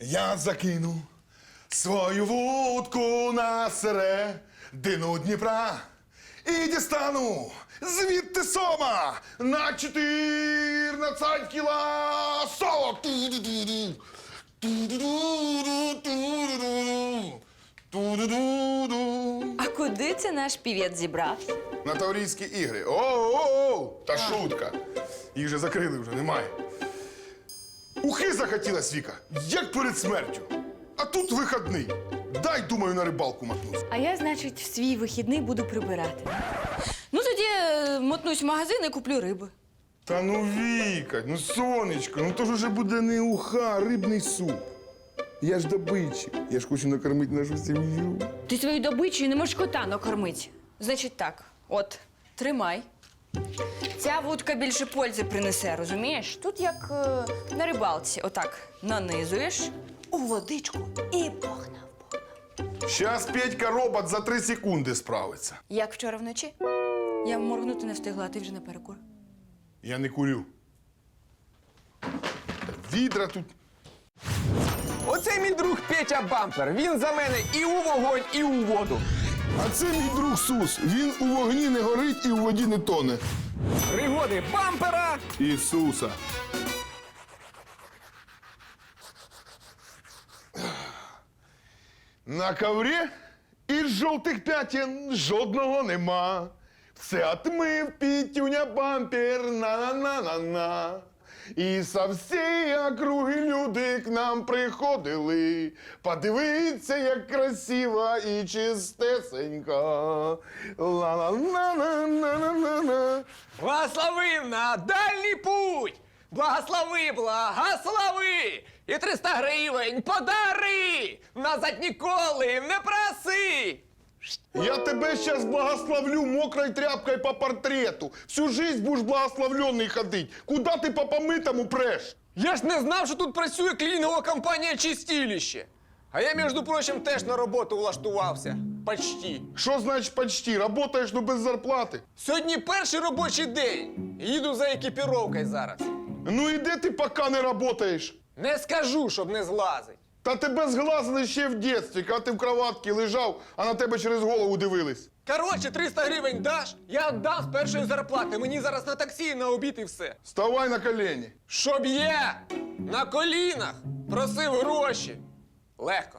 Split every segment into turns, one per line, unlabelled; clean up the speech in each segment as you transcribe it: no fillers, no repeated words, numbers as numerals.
Я закину свою вудку на середину Дніпра і дістану звідти сома на 14 кіла соло. Ту-ду-ду-ду. Ту-ду-ду-ду. Ту-ду-ду-ду.
А куди це наш півець зібрався?
На Таврійські ігри. О-о-о! Та шутка. Їх же закрили вже, немає. Ухи захотілась, Віка, як перед смертю. А тут вихідний. Дай, думаю, на рибалку мотнусь.
А я, значить, в свій вихідний буду прибирати. Ну, тоді мотнусь в магазин і куплю риби.
Та ну, Віка, ну, сонечко, ну то ж уже буде не уха, а рибний суп. Я ж добитчик, я ж хочу накормити нашу сім'ю.
Ти свою добичу не можеш кота накормити. Значить так, от, тримай. Ця вудка більше пользи принесе, розумієш? Тут як на рибалці. Отак нанизуєш у водичку і погнав.
Щас Петька робот за 3 секунди справиться.
Як вчора вночі? Я моргнути не встигла, а ти вже на перекур.
Я не курю. Та відра тут.
Оце мій друг Петя Бампер. Він за мене і у вогонь, і у воду.
А це мій друг Сус. Він у вогні не горить і у воді не тоне.
Пригоди бампера.
Ісуса. На коврі із жовтих п'ятін жодного нема. Все отмив Пітюня Бампер, на-на-на-на-на. І со всієї округи люди к нам приходили. Подивіться, як красиво і чистесенько. Ла-ла-ла-ла-ла-ла-ла-ла.
Благословив на дальній путь. Благослови, благослови. І 300 гривень подари. Назад ніколи не проси.
Я тебе сейчас благословлю мокрой тряпкой по портрету. Всю жизнь будешь благословленный ходить. Куда ты по помытому прешь?
Я ж не знав, що тут працює клінінгова компанія «Чистилище». А я, між прочим, теж на роботу влаштувався. Почти.
Что значит почти? Работаешь, но без зарплаты.
Сьогодні перший робочий день. Їду за екіпіровкою зараз.
Ну и где ты пока не работаешь?
Не скажу, щоб не злазить.
Та тебе зглазили ще в дитинстві, коли ти в кроватці лежав, а на тебе через голову дивились.
Коротше, 300 гривень даш, я віддам з першої зарплати. Мені зараз на таксі і на обід і все.
Вставай на колени.
Щоб я на колінах просив гроші. Легко.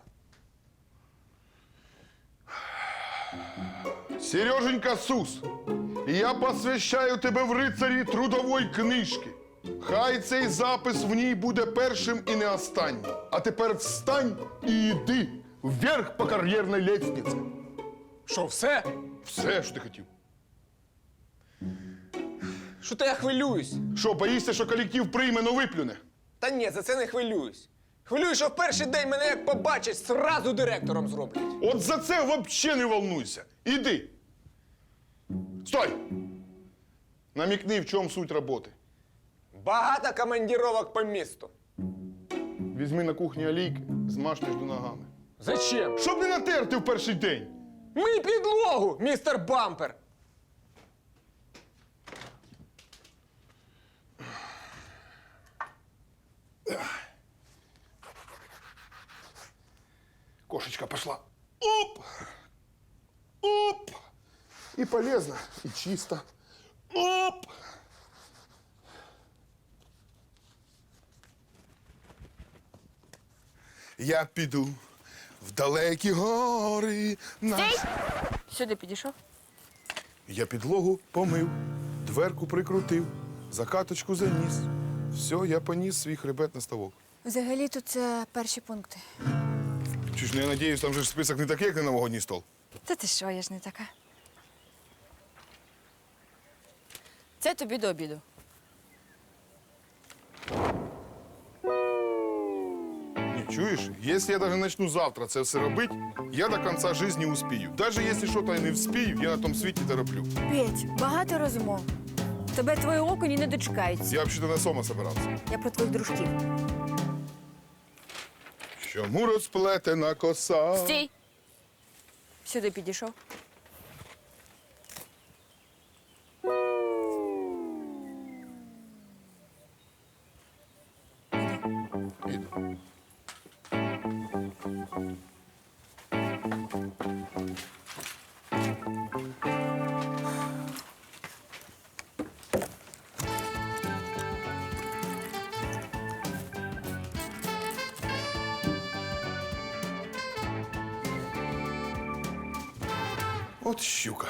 Сереженька Сус, я посвящаю тебе в рицарі трудової книжки. Хай цей запис в ній буде першим і не останнім. А тепер встань і йди вверх по кар'єрній лестниці.
Що, все?
Все, що ти хотів.
Що то я хвилююсь?
Що, боїшся, що колектив прийме, но виплюне?
Та ні, за це не хвилююсь. Хвилююсь, що в перший день мене як побачать, сразу директором зроблять.
От за це взагалі не волнуйся. Іди. Стой! Намікни, в чому суть роботи.
Багато командировок по місту.
Візьми на кухні олійки, змаж між ногами.
Зачем?
Щоб не натерти в перший день.
Мий підлогу, містер Бампер.
Кошечка пошла. Оп! Оп! И полезно, и чисто. Оп! Я піду в далекі гори.
Стій! Сюди підійшов.
Я підлогу помив, дверку прикрутив, закаточку заніс. Все, я поніс свій хребет на ставок.
Взагалі-то це перші пункти.
Чуєш, ну я надіюсь, там же ж список не такий, як на новогодній стол.
Та ти що, я ж не така. Це тобі до обіду.
Не чуєш? Якщо я навіть почну завтра це все робити, я до кінця життя успію. Навіть якщо щось і не вспію, я на тому світі це роблю.
Петь, багато розмов. Тебе твої окуні не дочекаються.
Я взагалі на сома собирався.
Я про твоїх дружків.
Чому розплетена коса?
Стій! Сюди підійшов.
Іду. От щука.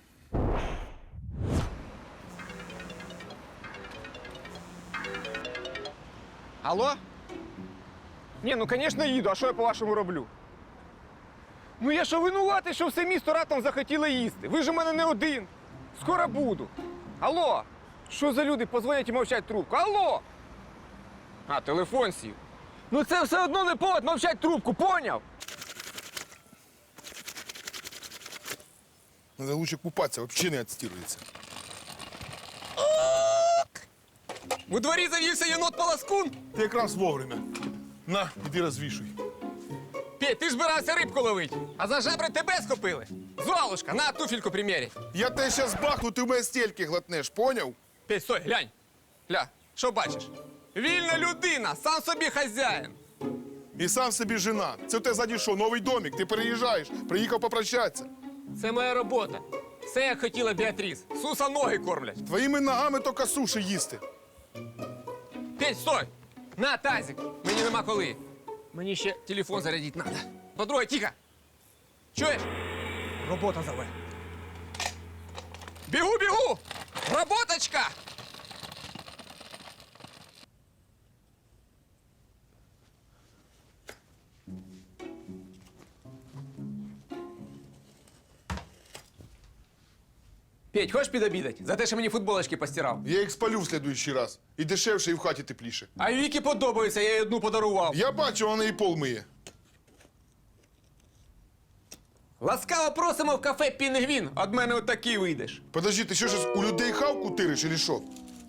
Алло? Ні, ну, звісно, їду. А що я, по-вашому, роблю? Ну, я що винуватий, що все місто раптом захотіло їсти? Ви ж у мене не один. Скоро буду. Алло? Що за люди позвонять і мовчать трубку? Алло? А, телефон сів. Ну, це все одно не повод мовчать трубку, поняв?
Надо лучше купатися, взагалі не відстірується.
У дворі завівся єнот-полоскун.
Ти якраз вовремя. На, іди розвішуй.
Петь, ти ж збирався рибку ловити, а за жабри тебе схопили. Золушка, на туфельку приміряй.
Я тебе зараз бахну, ти в мене стільки глотнеш, поняв?
Петь, стой, глянь. Гля, що бачиш? Вільна людина, сам собі хазяїн.
І сам собі жена. Це у тебе ззаді що, новий домик, ти переїжджаєш, приїхав попрощатися.
Це моя робота. Все, як хотіла Біатріс. Суса ноги кормлять.
Твоїми ногами тільки суші їсти.
Петь, стой! На, тазик. Мені нема коли. Мені ще телефон зарядити треба. По-друге, тихо. Чуєш? Робота зове. Бігу, бігу! Роботочка! Петь, хочеш підобідати? За те, що мені футболочки постирав.
Я їх спалю в слідуючий раз. І дешевше, і в хаті тепліше.
А Вікі подобається, я їй одну подарував.
Я бачу, вона і пол миє.
Ласкаво просимо в кафе «Пінгвін». Од мене отакий вийдеш.
Подожди, ти що ж у людей хавку тириш, чи що?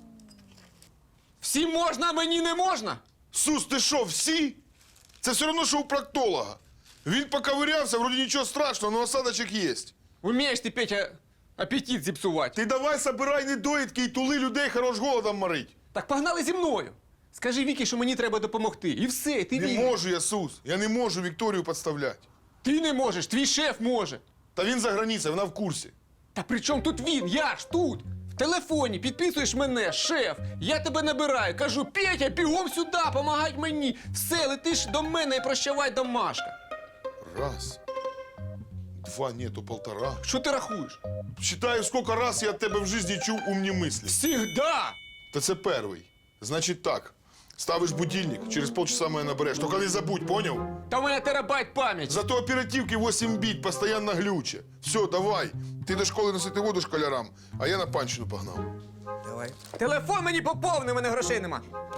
Всім можна, а мені не можна?
Сус, ти що, всі? Це все одно, що у проктолога. Він поковирявся, вроді нічого страшного, але осадочок є.
Умієш ти, Петя, апетит зіпсувати.
Ти давай собирай недоїдки і тули людей, хорош голодом морить.
Так погнали зі мною. Скажи Вікі, що мені треба допомогти. І все, ти
Не
вільний.
можу я, Сус. Я не можу Вікторію підставляти.
Ти не можеш, твій шеф може.
Та він за границею, вона в курсі.
Та при чому тут він? Я ж тут. В телефоні підписуєш мене, шеф. Я тебе набираю, кажу, Петя, бігом сюди, помагай мені. Все, летиш до мене і прощавай, домашка.
Раз. Два, ні, то полтора.
Що ти рахуєш?
Считаю, скільки раз я від тебе в житті чув умні мислі.
Всігда.
Та це перший. Значить так. Ставиш будильник, через полчаса мене набереш. Тільки не забудь, поняв?
Та в мене терабайт пам'яті.
Зато оперативки 8 біт, постійно глюче. Все, давай. Ти до школи носити воду школярам, а я на панщину погнав.
Давай. Телефон мені поповни, у мене грошей нема.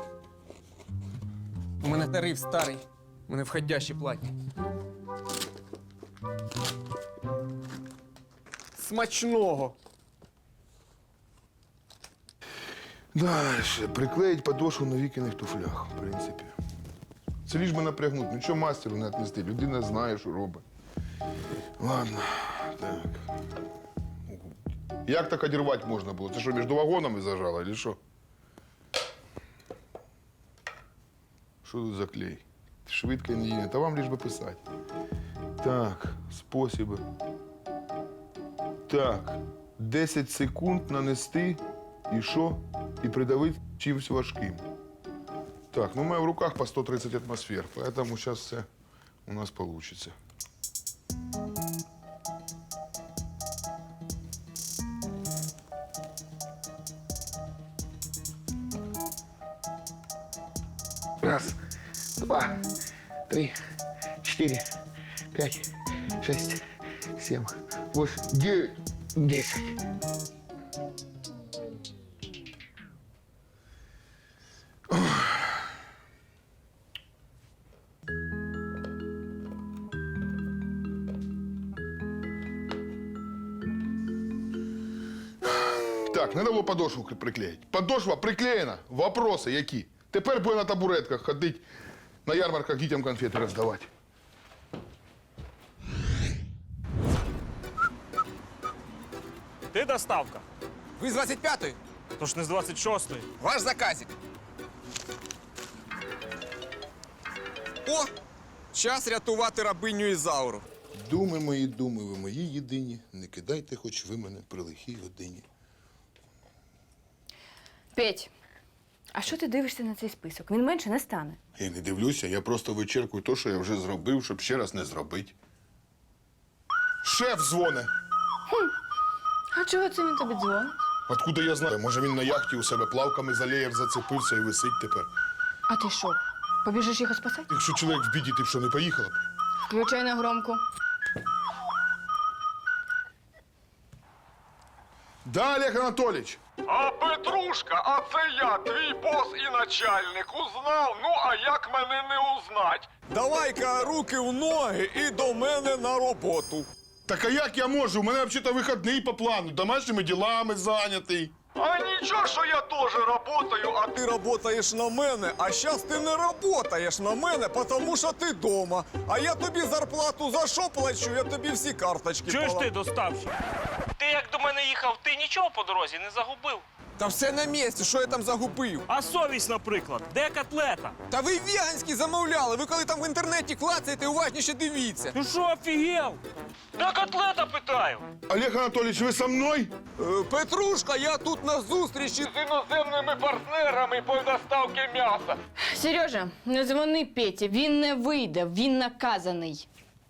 У мене тариф старий. У мене входящі платні. Смачного.
Дальше. Приклеїть подошву на Вікиних туфлях, в принципі. Це ліж би напрягнуть. Нічого мастеру не віднести. Людина знає, що робить. Ладно. Так. Як так одірвати можна було? Це що, між вагонами зажало, чи що? Що тут за клей? Швидко і не. Та вам ліж би писати. Так, способи. Так, 10 секунд нанести і що? І придавити чимось важким. Так, ну у мене в руках по 130 атмосфер, поэтому сейчас все у нас получится.
Раз, два, три, 4, 5, 6, 7, 8, 9, 10.
Так, треба було подошву приклеїти. Подошва приклеєна. Вопроси які? Тепер буде на табуретках ходити, на ярмарках дітям конфети роздавати.
Ти доставка.
Ви з 25-ї?
Тож не з 26-ї.
Ваш заказик. О, Час рятувати рабиню Ізауру.
Думи мої, думи, ви мої єдині. Не кидайте, хоч ви мене при лихій годині.
Петь, а що ти дивишся на цей список? Він менше не стане.
Я не дивлюся, я просто вичеркую те, що я вже зробив, щоб ще раз не зробити. Шеф дзвоне.
А чого це він тобі дзвонить?
Откуда я знаю? Може, він на яхті у себе плавками за леєр зацепився і висить тепер.
А ти що, побіжиш його спасати?
Якщо чоловік в біді, ти б що, не поїхала б?
Включай на громку.
Да, Олег Анатолійович.
А Петрушка, а це я, твій бос і начальник. Узнав? Ну, а як мене не узнать? Давай-ка руки в ноги і до мене на роботу.
Так а як я можу? У мене взагалі вихідний по плану, домашніми ділами зайнятий.
А нічого, що я теж работаю, а ти работаєш на мене. А щас ти не работаєш на мене, тому що ти дома. А я тобі зарплату за що плачу? Я тобі всі карточки
Чуєш
пола-
ти, доставщик? Ти як до мене їхав, ти нічого по дорозі не загубив?
Та все на місці, що я там загубив?
А совість, наприклад, де котлета?
Та ви веганські замовляли. Ви коли там в інтернеті клацаєте, уважніше дивіться.
Ти що, офігел? Де котлета, питаю?
Олег Анатолійович, ви со мною?
Петрушка, я тут на зустрічі з іноземними партнерами по доставці м'яса.
Сережа, не дзвони Петі, він не вийде, він наказаний.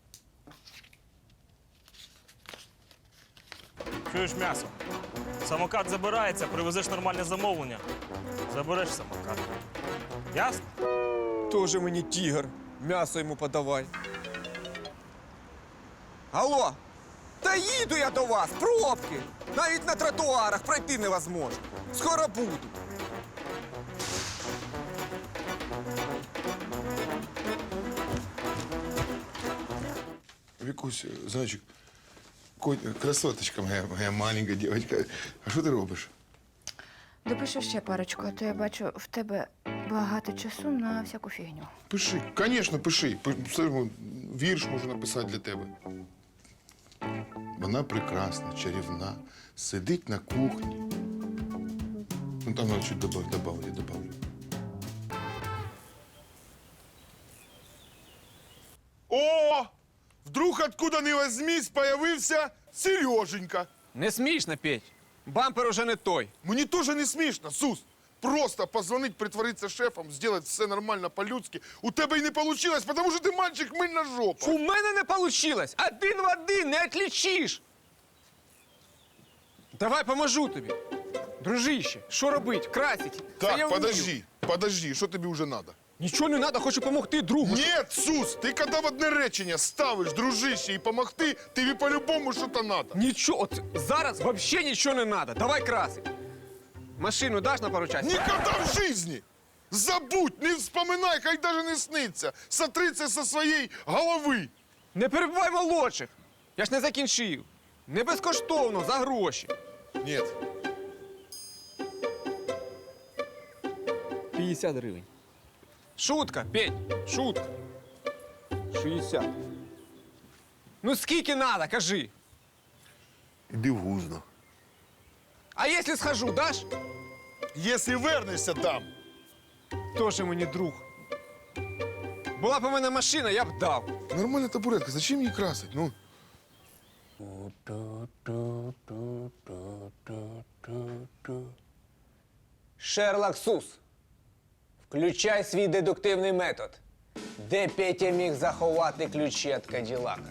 Чуєш м'ясо? Самокат забирається, привезеш нормальне замовлення. Забереш самокат. Ясно?
Тоже мені тігр. М'ясо йому подавай. Алло, та їду я до вас, пробки. Навіть на тротуарах пройти невозможно. Скоро буду.
Вікусь, зайчик, красоточка моя маленька дівчинка. А що ти робиш?
Допишу ще парочку, а то я бачу, в тебе багато часу на всяку фігню.
Пиши. Звісно, пиши. Вірш можу написати для тебе. Вона прекрасна, чарівна, сидить на кухні. Ну там надо чуть добавлю. О! Вдруг откуда ни возьмись появився Сереженька.
Не смішно, Петь. Бампер уже не той.
Мені теж не смішно, Сус. Просто позвонить, притвориться шефом, сделать все нормально по-людськи. У тебе й не вийшло, тому що ти мальчик мильна жопа.
У мене не получилось. Один в один, не отличиш. Давай поможу тобі. Дружище, що робить? Красить. Це я
Так,
вмію.
подожди, що тобі вже треба?
Нічого не треба, хочу допомогти другу.
Нет, Сус, ти коли в одне речення ставиш, дружище, і помогти, тобі по-любому щось треба.
Нічого, от зараз взагалі нічого не треба. Давай красить. Машину даш на пару часів?
Ніколи в житті! Забудь, не вспоминай, хай даже не сниться. Сотри це со своєї голови.
Не перебивай молодших. Я ж не закінчив. Не безкоштовно, за гроші.
Нет.
50 гривень. Шутка, Петь, шутка. 60. Ну скільки надо, кажи.
Іди в гузно.
А якщо схожу, даш?
Якщо вернешся, дам.
Тоже мені друг. Була б у мене машина, я б дав.
Нормальна табуретка, зачем її красить? Ну.
Шерлок Сус, включай свій дедуктивний метод. Де Петя міг заховати ключі від Каділака?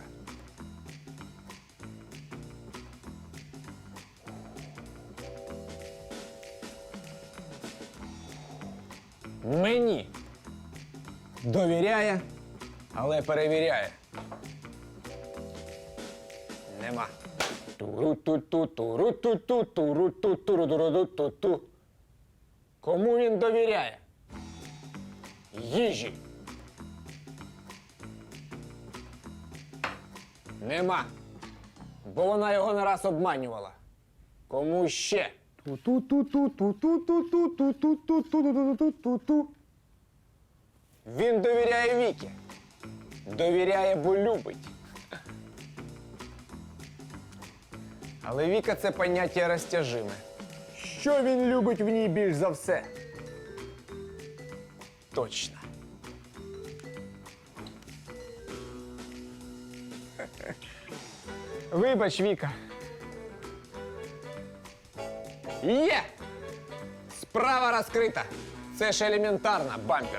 Мені. Довіряє, але перевіряє. Нема. Туру-ту-ту, туру-ту-ту, туру-ту, туру-туру-ту-ту. Кому він довіряє? Їжі. Нема. Бо вона його не раз обманювала. Кому ще? Ту-ту-ту-ту-ту-ту-ту-ту-ту-ту-ту-ту-ту-ту. Він довіряє Вікі. Довіряє, бо любить. Але Віка – це поняття розтяжиме. Що він любить в ній більш за все? Точно.
Вибач, Віка. Є!
Справа розкрита. Це ж елементарно, бампер.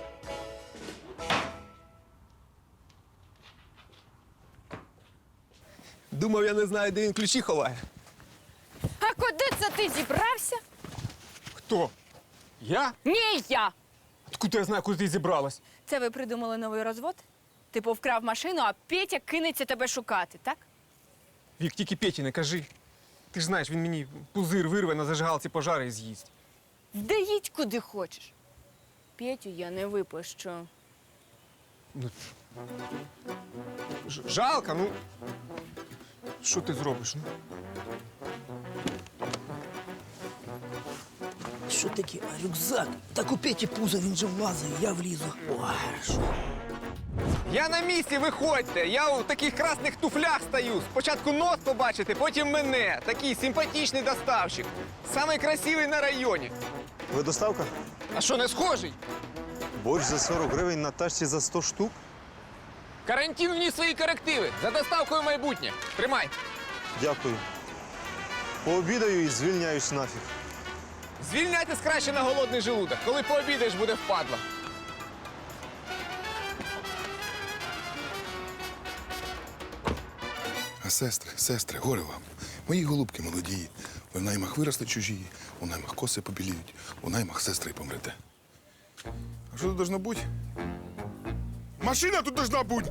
Думав, я не знаю, де він ключі ховає.
А куди це ти зібрався?
Хто? Я?
Ні, я.
Откуда я знаю, куди ти зібралась?
Це ви придумали новий розвод? Типу вкрав машину, а Петя кинеться тебе шукати, так?
Вік, тільки Петі не кажи. Ти ж знаєш, він мені пузир вирве на зажигалці пожари і з'їсть.
Де їдь куди хочеш. Петю я не випущу.
Жалко, ну. Що ти зробиш? Ну?
Що таке? А рюкзак? Так у Петі пузо, він же влазить, я влізу. О, хорошо.
Я на місці, виходьте! Я у таких красних туфлях стою. Спочатку нос побачите, потім мене. Такий симпатичний доставщик. Самий красивий на районі.
Ви доставка?
А що, не схожий?
Борщ за 40 гривень на тачці за 100 штук?
Карантин вніс свої корективи. За доставкою майбутнє. Тримай.
Дякую. Пообідаю і звільняюсь нафіг.
Звільняйтесь краще на голодний желудок. Коли пообідаєш, буде впадло.
А сестри, горе вам. Мої голубки молоді. Ви в наймах виросли чужі, у наймах коси побіліють, у наймах сестри й помрете. А що тут должно бути? Машина тут должна бути!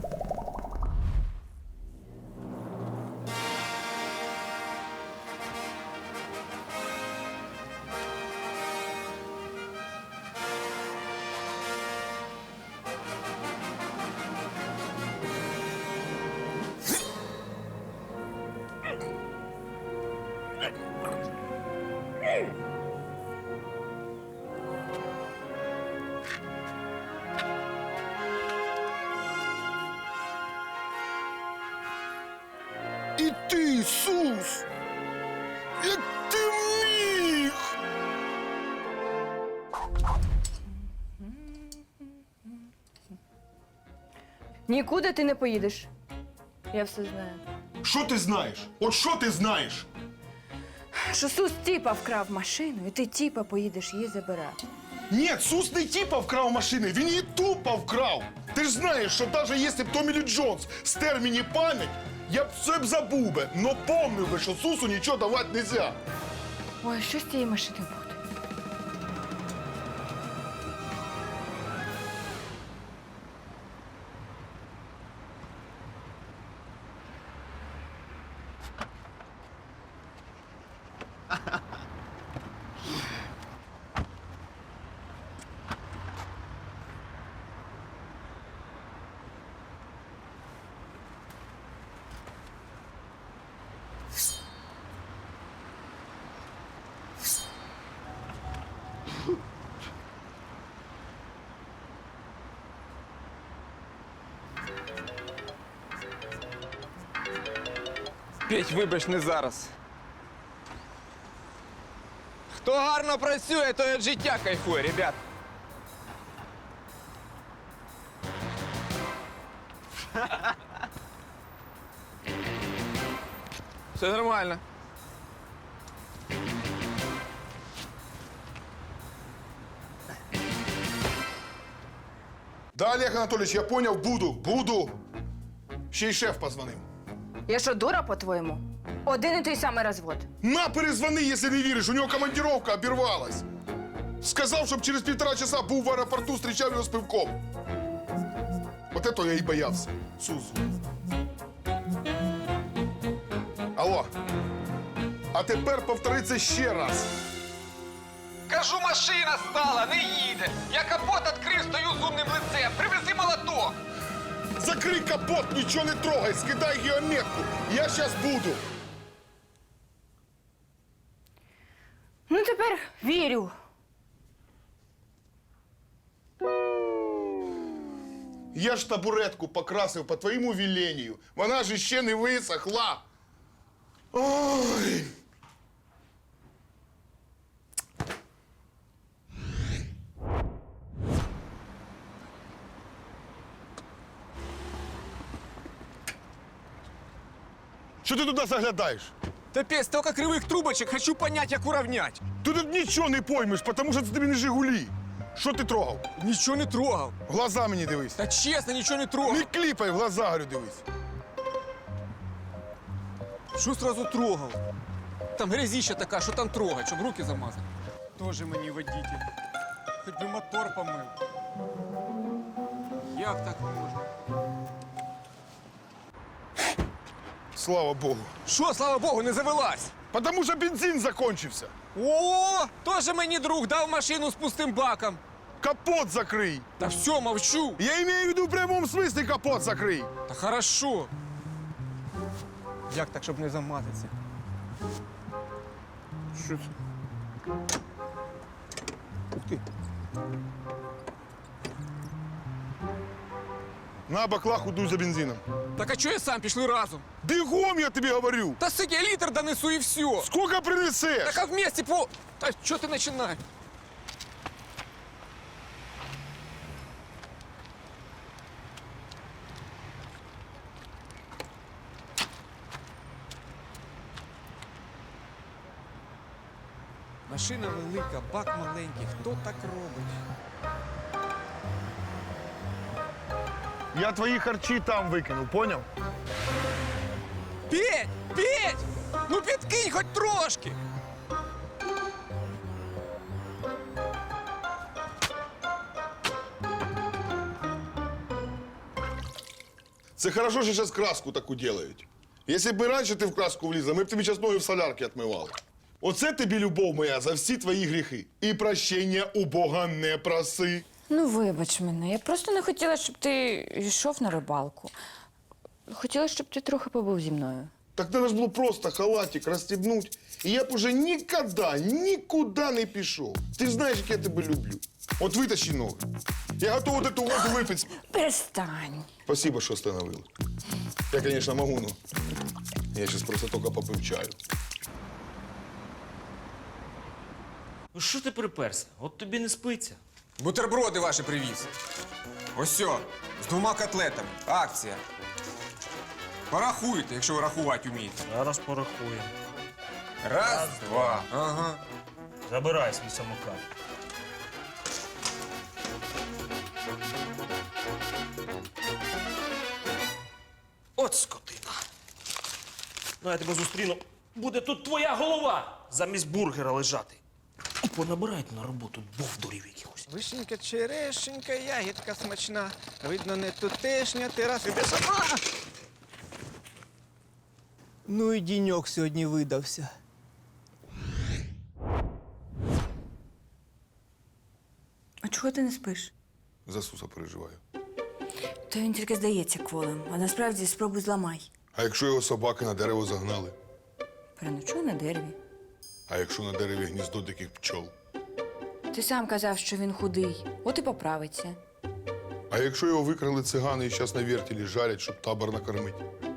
І ти, Ісус! Як ти міг?
Нікуди ти не поїдеш. Я все знаю.
Що ти знаєш? От що ти знаєш?
Що Сус тіпа вкрав машину, і ти тіпа поїдеш її забирати.
Ні, Сус не типа вкрав машини, він її тупо вкрав. Ти ж знаєш, що навіть якщо б Томі Лі Джонс стер мені пам'ять, я б все б забув би, но помнив би, що Сусу нічого давати нельзя.
Ой, що з цієї машини буде?
Петь, вибач, не зараз. Хто гарно працює, той від життя кайфує, ребят. Все нормально.
Да, Олег Анатолійович, я поняв, буду. Ще й шеф позвонив.
Я що, дура, по-твоєму? Один і той самий розвод.
На, перезвони, якщо не віриш, у нього командировка обірвалась. Сказав, щоб через 1,5 часа був в аеропорту, зустрічав його з пивком. От этого я і боявся. Сузу. Алло. А тепер повтори це ще раз.
Кажу, машина стала, не їде. Я капот відкрив, стою з умним лицем. Привези молоток.
Закрий капот, нічого не трогай, скидай геометку. Я щас буду.
Ну, тепер вірю.
Я ж табуретку покрасив по твоєму веленню. Вона ж ще не висохла. Ой. Що ти туди заглядаєш?
Та столько кривих трубочек, хочу понять, як уравнять.
Ти тут нічого не поймеш, тому що це тобі не Жигулі. Що ти трогав?
Нічого не трогав.
В глаза мені дивись.
Та чесно, нічого не трогав.
Не кліпай, в глаза, говорю, дивись.
Що сразу трогав? Там грязіща така, що там трогать, щоб руки замазати. Тоже мені водитель. Хоч би мотор помив. Як так можна?
Слава Богу.
Що, слава Богу, не завелась?
Потому що бензин закончився.
О, тоже мені друг дав машину з пустим баком.
Капот закрий.
Та все, мовчу.
Я имею в виду в прямому смислі капот закрий.
Та хорошо. Як так, щоб не замазатися? Що це? Ух ти.
На баклаху дуй за бензином.
Так а чого я сам пішли разом?
Бігом, я тобі говорю.
Та сик, я літр донесу і все.
Сколько принесеш?
Так а вместе по... Та що ти починаєш? Машина велика, бак маленький. Хто так робить?
Я твої харчі там викинув, поняв?
Петь! Петь! Ну підкинь хоч трошки!
Це хорошо, що зараз краску таку делають. Якщо б раніше ти в краску влізла, ми б тобі час ноги в солярки відмивали. Оце тобі любов моя за всі твої гріхи. І прощення у Бога не проси.
Ну, вибач мене, я просто не хотіла, щоб ти йшов на рибалку. Хотіла, щоб ти трохи побув зі мною.
Так треба ж було просто халатик розстібнути. І я б уже нікуди не пішов. Ти ж знаєш, як я тебе люблю. От витащи ноги. Я готовий эту воду випити.
Перестань.
Спасибо, що остановила. Я, конечно, могу, но я сейчас просто только попив чаю.
Ну що ти приперся? От тобі не спиться.
Бутерброди ваші привіз. Ось сьо, з 2 котлетами. Акція. Порахуйте, якщо ви рахувати вмієте.
Зараз порахую.
Раз, два. Ага.
Забирай свій самокат. От скотина. Ну, я тебе зустріну. Буде тут твоя голова замість бургера лежати. І понабирають на роботу бовдурів якихось.
Вишенька, черешенька, ягідка смачна. Видно, не тутешня, ти раз іде сама.
Ну і діньок сьогодні видався.
А чого ти не спиш?
За Суса переживаю.
То він тільки здається кволим, а насправді спробуй зламай.
А якщо його собаки на дерево загнали?
Переночуй на дереві.
А якщо на дереві гніздо диких пчол?
Ти сам казав, що він худий, от і поправиться.
А якщо його викрали цигани і зараз на вертілі жарять, щоб табор накормити?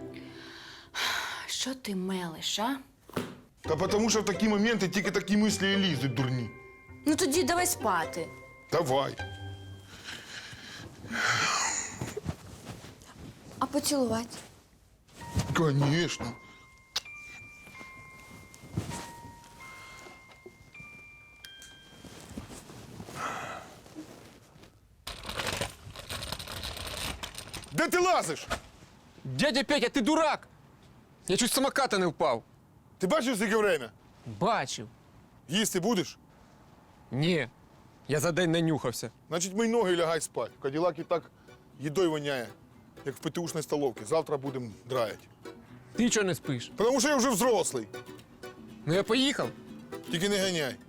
Що ти мелиш, а?
Та тому що в такі моменти тільки такі мислі і лізуть, дурні.
Ну тоді давай спати.
Давай.
А поцілувати?
Конечно. Де ти лазиш?
Дядя Петя, ти дурак! Я чуть з самоката не впав.
Ти бачив, скільки время?
Бачив.
Їсти будеш?
Ні. Я за день нанюхався.
Значить, мий ноги і лягай спать. В Каділакі так їдою воняє, як в ПТУшній столовці. Завтра будемо драять.
Ти чого не спиш?
Тому що я вже взрослий.
Ну я поїхав.
Тільки не ганяй.